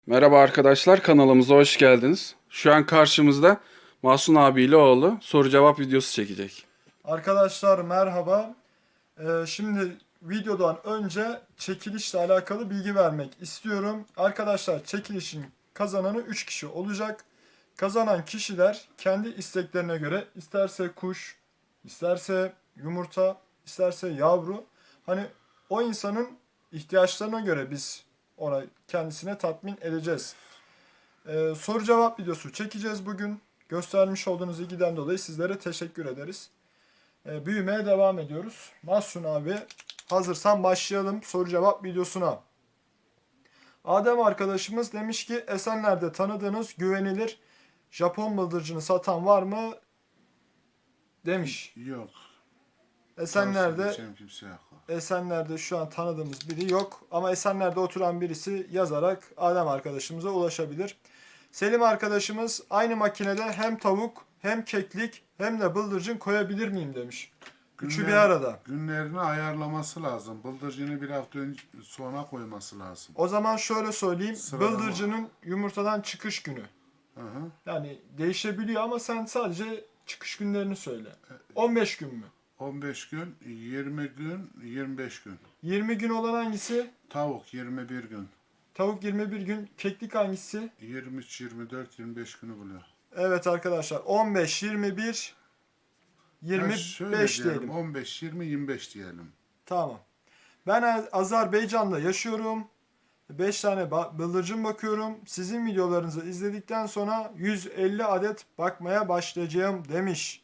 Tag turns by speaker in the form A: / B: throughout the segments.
A: Merhaba arkadaşlar, kanalımıza hoş geldiniz. Şu an karşımızda Mahsun abiyle oğlu soru cevap videosu çekecek.
B: Arkadaşlar merhaba. Şimdi videodan önce çekilişle alakalı bilgi vermek istiyorum. Arkadaşlar çekilişin kazananı 3 kişi olacak. Kazanan kişiler kendi isteklerine göre isterse kuş, isterse yumurta, isterse yavru. Hani o insanın ihtiyaçlarına göre biz ona kendisine tatmin edeceğiz. Soru cevap videosu çekeceğiz bugün. Göstermiş olduğunuz ilgiden dolayı sizlere teşekkür ederiz. Büyümeye devam ediyoruz. Mahsun abi hazırsan başlayalım soru cevap videosuna. Adem arkadaşımız demiş ki Esenler'de tanıdığınız güvenilir Japon bıldırcını satan var mı? Demiş.
C: Yok.
B: Esenler'de
C: Tavsiye kimse yok.
B: Esenler'de şu an tanıdığımız biri yok. Ama Esenler'de oturan birisi yazarak Adem arkadaşımıza ulaşabilir. Selim arkadaşımız aynı makinede hem tavuk hem keklik hem de bıldırcın koyabilir miyim demiş. Üçü bir arada.
C: Günlerini ayarlaması lazım. Bıldırcını bir hafta sonra koyması lazım.
B: O zaman şöyle söyleyeyim.
C: Sıralama.
B: Bıldırcının yumurtadan çıkış günü.
C: Hı hı.
B: Yani değişebiliyor ama sen sadece çıkış günlerini söyle. 15 gün mü?
C: 15 gün, 20 gün, 25 gün.
B: 20 gün olan hangisi?
C: Tavuk 21 gün.
B: Tavuk 21 gün. Keklik hangisi?
C: 23, 24, 25 günü buluyor.
B: Evet arkadaşlar. 15, 21,
C: Ha, şöyle
B: 25 diyelim.
C: 15, 20, 25 diyelim.
B: Tamam. Ben Azerbaycan'da yaşıyorum. 5 tane bıldırcın bakıyorum. Sizin videolarınızı izledikten sonra 150 adet bakmaya başlayacağım demiş.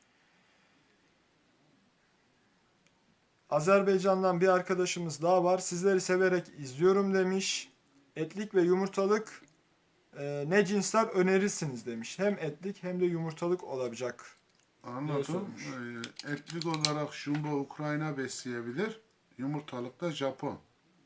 B: Azerbaycan'dan bir arkadaşımız daha var. Sizleri severek izliyorum demiş. Etlik ve yumurtalık ne cinsler önerirsiniz demiş. Hem etlik hem de yumurtalık olacak.
C: Anladım.
B: sormuş.
C: Etlik olarak Jumbo Ukrayna besleyebilir. Yumurtalık da Japon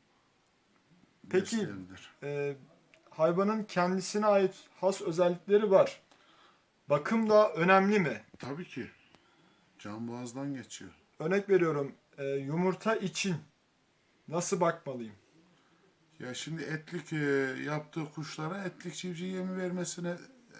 B: Peki
C: besleyebilir.
B: hayvanın kendisine ait has özellikleri var. Bakım da önemli mi?
C: Tabii ki. Can boğazdan geçiyor.
B: Örnek veriyorum, yumurta için nasıl bakmalıyım?
C: Ya şimdi etlik yaptığı kuşlara etlik civciv yemi vermesine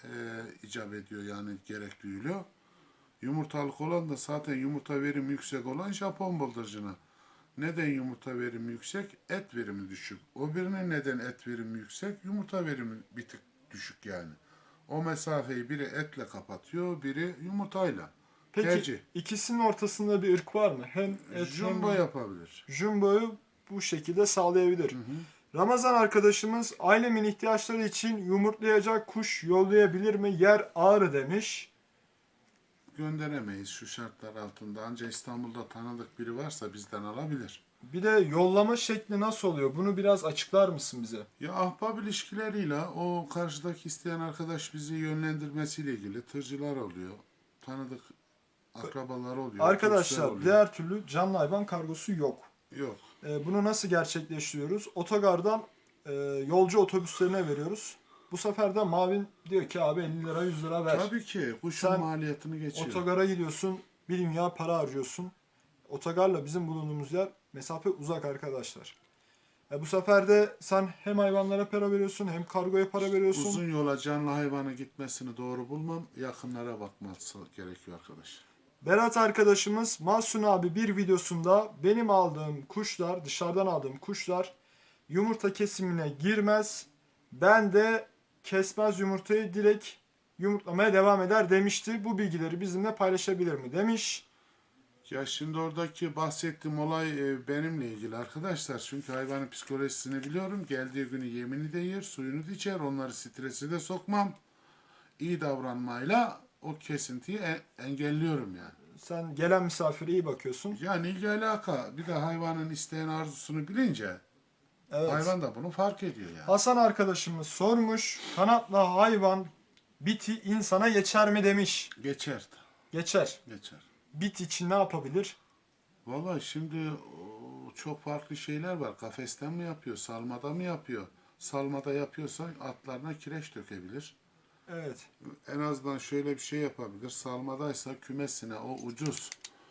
C: icap ediyor, yani gerek duyuluyor. Yumurtalık olan da zaten yumurta verimi yüksek olan Japon bıldırcını. Neden yumurta verimi yüksek? Et verimi düşük. O birinin neden et verimi yüksek? Yumurta verimi bir tık düşük yani. O mesafeyi biri etle kapatıyor, biri yumurtayla.
B: Peki
C: Tercih.
B: ikisinin ortasında bir ırk var mı? Hem et
C: Jumbo
B: hem
C: yapabilir.
B: jumbo'yu bu şekilde sağlayabilir. Ramazan arkadaşımız ailemin ihtiyaçları için yumurtlayacak kuş yollayabilir mi? Yer Ağrı demiş.
C: Gönderemeyiz şu şartlar altında. Ancak İstanbul'da tanıdık biri varsa bizden alabilir.
B: Bir de yollama şekli nasıl oluyor? Bunu biraz açıklar mısın bize?
C: Ya ahbap ilişkileriyle o karşıdaki isteyen arkadaş bizi yönlendirmesiyle ilgili tırcılar oluyor. Tanıdık akrabalar oluyor. turistler
B: Arkadaşlar
C: oluyor.
B: diğer türlü canlı hayvan kargosu yok.
C: Yok.
B: Bunu nasıl gerçekleştiriyoruz? Otogardan yolcu otobüslerine veriyoruz. Bu sefer de Mavin diyor ki abi 50 lira 100 lira ver.
C: Tabii ki kuşun
B: Sen
C: maliyetini geçiyor.
B: Otogara gidiyorsun, bir dünya para harcıyorsun. Otogarla bizim bulunduğumuz yer mesafe uzak arkadaşlar. Bu sefer de sen hem hayvanlara para veriyorsun hem kargoya para veriyorsun.
C: Uzun yola canlı hayvanın gitmesini doğru bulmam. Yakınlara bakması gerekiyor arkadaş.
B: Berat arkadaşımız Mahsun abi bir videosunda benim aldığım kuşlar, dışarıdan aldığım kuşlar yumurta kesimine girmez. Ben de kesmez yumurtayı direkt yumurtlamaya devam eder demişti. Bu bilgileri bizimle paylaşabilir mi demiş.
C: Ya şimdi oradaki bahsettiğim olay benimle ilgili arkadaşlar. Çünkü hayvanın psikolojisini biliyorum. Geldiği günü yemini de yer, suyunu da içer. Onları stresi de sokmam. İyi davranmayla o kesintiyi engelliyorum yani.
B: Sen gelen misafire iyi bakıyorsun.
C: Yani ilgi alaka. Bir de hayvanın isteyen arzusunu bilince
B: Evet.
C: hayvan da bunu fark ediyor yani.
B: Hasan arkadaşımız sormuş. Kanatlı hayvan biti insana geçer mi demiş.
C: Geçer.
B: Geçer.
C: Geçer.
B: Bit için ne yapabilir?
C: Vallahi şimdi çok farklı şeyler var. Kafesten mi yapıyor, salmada mı yapıyor? Salmada yapıyorsa atlarına kireç dökebilir.
B: Evet.
C: En azından şöyle bir şey yapabilir. Salmadaysa kümesine o ucuz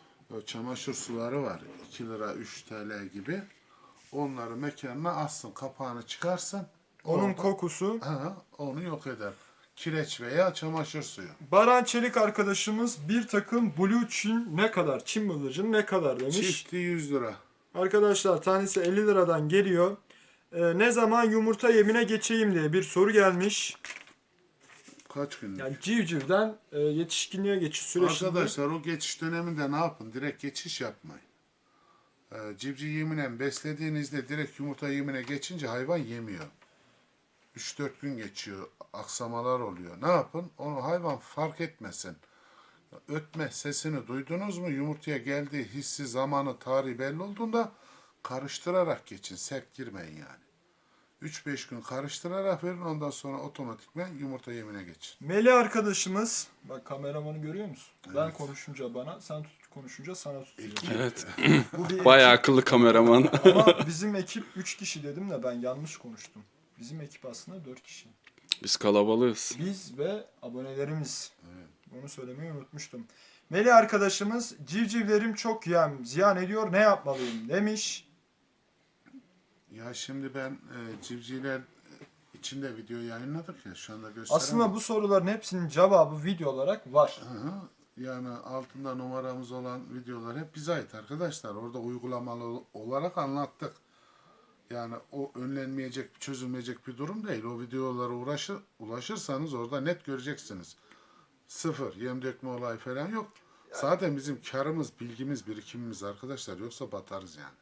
C: çamaşır suları var. 2 lira 3 TL gibi. Onları mekanına assın. Kapağını çıkarsın.
B: Onun
C: Orada-
B: kokusu.
C: Onu yok eder. Kireç veya çamaşır suyu.
B: Baran Çelik arkadaşımız bir takım Blue Çin ne kadar? Çin bıldırcını ne kadar demiş.
C: Çifti 100 lira.
B: Arkadaşlar tanesi 50 liradan geliyor. Ne zaman yumurta yemine geçeyim diye bir soru gelmiş.
C: Kaç gün?
B: Yani civcivden yetişkinliğe geçiş sürecinde.
C: Arkadaşlar o geçiş döneminde ne yapın? Direkt geçiş yapmayın. Civciv yeminen beslediğinizde direkt yumurta yemine geçince hayvan yemiyor. 3-4 gün geçiyor. Aksamalar oluyor. Ne yapın? Onu hayvan fark etmesin. Ötme sesini duydunuz mu? Yumurtaya geldiği hissi, zamanı, tarihi belli olduğunda karıştırarak geçin. Sert girmeyin yani. 3-5 gün karıştırarak verin. Ondan sonra otomatikman yumurta yemine geçin.
B: Melih arkadaşımız, bak kameramanı görüyor musun? Ben
C: Evet.
B: konuşunca bana, sen konuşunca sana tutacağım.
A: Evet.
B: Bu bir
A: Bayağı akıllı kameraman.
B: Ama bizim ekip 3 kişi dedim de ben yanlış konuştum. Bizim ekip aslında 4 kişi.
A: Biz kalabalığız.
B: Biz ve abonelerimiz. Onu söylemeyi unutmuştum. Melih arkadaşımız civcivlerim çok ziyan ediyor ne yapmalıyım demiş.
C: Ya şimdi ben civcivler içinde video yayınladık ya şu anda gösteremem.
B: Aslında bu soruların hepsinin cevabı video olarak var.
C: Hı hı. Yani altında numaramız olan videolar hep bize ait arkadaşlar. Orada uygulamalı olarak anlattık. Yani o önlenmeyecek, çözülmeyecek bir durum değil. O videolara ulaşırsanız orada net göreceksiniz. Sıfır, yem dökme olayı falan yok. Zaten bizim karımız, bilgimiz, birikimimiz arkadaşlar. Yoksa batarız yani.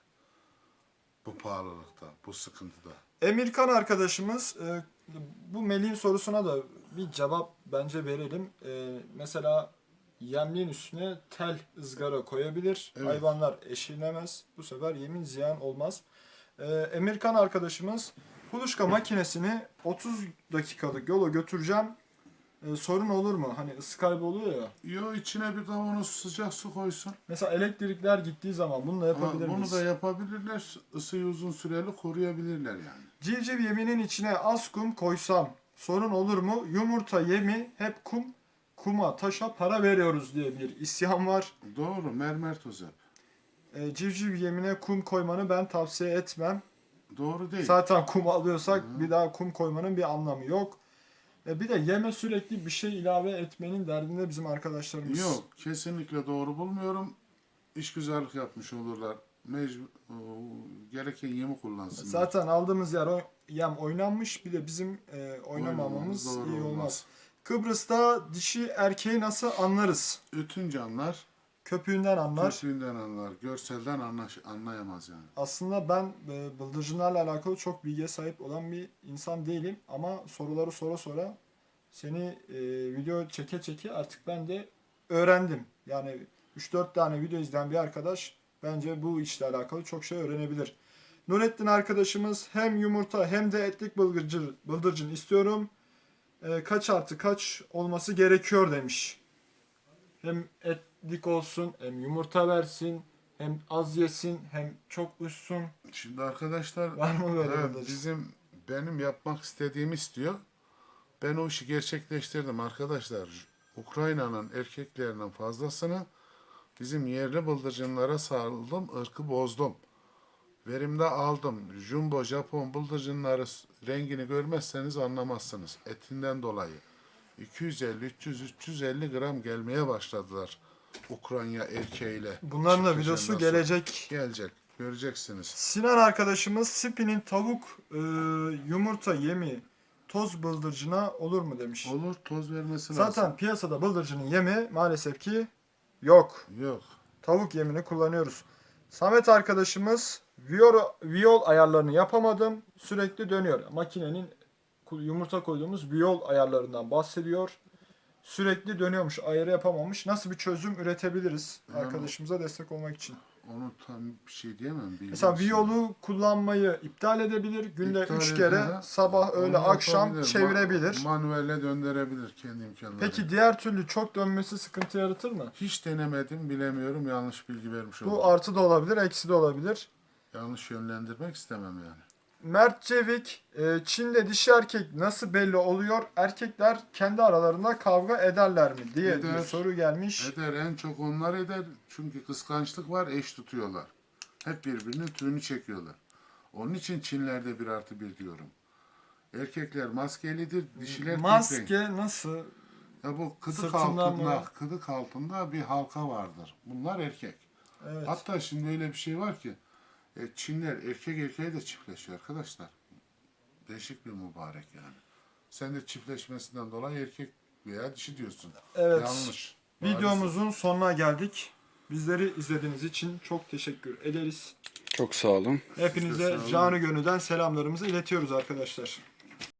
C: Bu pahalılıkta, bu sıkıntıda.
B: Emirkan arkadaşımız bu Melih'in sorusuna da bir cevap bence verelim. Mesela yemliğin üstüne tel ızgara koyabilir.
C: Evet.
B: Hayvanlar eşilemez. Bu sefer yemin ziyan olmaz. Emirkan arkadaşımız kuluçka makinesini 30 dakikalık yola götüreceğim. Sorun olur mu? Hani ısı kaybı oluyor ya.
C: Yo içine bir kavanoz sıcak su koysun.
B: Mesela elektrikler gittiği zaman bunu da yapabilir
C: Ama bunu
B: miyiz?
C: da yapabilirler. Isıyı uzun süreli koruyabilirler yani.
B: Civciv yeminin içine az kum koysam sorun olur mu? Yumurta yemi hep kum, kuma taşa para veriyoruz diye bir isyan var.
C: Doğru, mermer toz hep.
B: Civciv yemine kum koymanı ben tavsiye etmem.
C: Doğru değil.
B: Zaten kum alıyorsak bir daha kum koymanın bir anlamı yok. Bir de yeme sürekli bir şey ilave etmenin derdinde bizim arkadaşlarımız.
C: Yok, kesinlikle doğru bulmuyorum. İşgüzarlık yapmış olurlar. Gereken yemi kullansınlar.
B: Zaten aldığımız yem oynanmış. Bir de bizim oynamamamız
C: Oynamamız doğru
B: iyi olmaz.
C: olmaz.
B: Kıbrıs'ta dişi erkeği nasıl anlarız?
C: Ötünce anlar,
B: Köpüğünden anlar.
C: kötüğünden anlar, görselden anlayamaz yani.
B: Aslında ben bıldırcınlarla alakalı çok bilgiye sahip olan bir insan değilim. Ama soruları sonra seni video çeke artık ben de öğrendim. Yani 3-4 tane video izleyen bir arkadaş bence bu işle alakalı çok şey öğrenebilir. Nurettin arkadaşımız hem yumurta hem de etlik bıldırcın istiyorum. Kaç artı kaç olması gerekiyor demiş. Hem etlik olsun hem yumurta versin. Hem az yesin hem çok uçsun.
C: Şimdi arkadaşlar,
B: Var mı böyle
C: evet,
B: bıldırcın?
C: benim yapmak istediğimi istiyor. Ben o işi gerçekleştirdim arkadaşlar. Ukrayna'nın erkeklerinin fazlasını bizim yerli bıldırcınlara saldım, ırkı bozdum. Verimde aldım. Jumbo, Japon bıldırcınları rengini görmezseniz anlamazsınız. Etinden dolayı. 250, 300, 350 gram gelmeye başladılar Ukrayna erkeğiyle.
B: Bunların da
C: Çıkışından
B: videosu
C: sonra.
B: gelecek.
C: Gelecek. Göreceksiniz.
B: Sinan arkadaşımız Spi'nin tavuk yumurta yemi toz bıldırcına olur mu demiş.
C: Olur, toz vermesi
B: Zaten
C: lazım.
B: piyasada bıldırcının yemi maalesef ki yok.
C: Yok.
B: Tavuk yemini kullanıyoruz. Samet arkadaşımız viyol ayarlarını yapamadım. Sürekli dönüyor. Makinenin yumurta koyduğumuz viyol ayarlarından bahsediyor. Sürekli dönüyormuş. Ayarı yapamamış. Nasıl bir çözüm üretebiliriz
C: Yani-
B: arkadaşımıza destek olmak için?
C: Onu tam bir şey diyemem.
B: Mesela
C: bilmiyorum.
B: viyolu kullanmayı iptal edebilir. Günde
C: İptal
B: 3 kere
C: eder.
B: sabah,
C: Onu
B: öğle, akşam
C: yapabilir.
B: çevirebilir.
C: Manuelle döndürebilir kendi imkanlarıyla.
B: Peki diğer türlü çok dönmesi sıkıntı yaratır mı?
C: Hiç denemedim, bilemiyorum. Yanlış bilgi vermiş oldum.
B: Bu artı da olabilir, eksi de olabilir.
C: Yanlış yönlendirmek istemem yani.
B: Mert Cevik, Çin'de dişi erkek nasıl belli oluyor? Erkekler kendi aralarında kavga ederler mi diye bir
C: Eder.
B: soru gelmiş.
C: Eder, en çok onlar eder. Çünkü kıskançlık var, eş tutuyorlar. Hep birbirinin tüyünü çekiyorlar. Onun için Çinlerde 1+1 diyorum. Erkekler maskelidir, dişiler kepenk.
B: Maske nasıl?
C: Ya bu kıdık
B: Sırtından
C: altında,
B: mı?
C: kıdık altında bir halka vardır. Bunlar erkek.
B: Evet.
C: Hatta şimdi öyle bir şey var ki Çinler erkek erkeğe de çiftleşiyor arkadaşlar. Değişik bir mübarek yani. Sen de çiftleşmesinden dolayı erkek veya dişi diyorsun.
B: Evet.
C: Yanlış.
B: Videomuzun sonuna geldik. Bizleri izlediğiniz için çok teşekkür ederiz.
A: Çok sağ olun.
B: Hepinize
C: sağ olun.
B: canı gönülden selamlarımızı iletiyoruz arkadaşlar.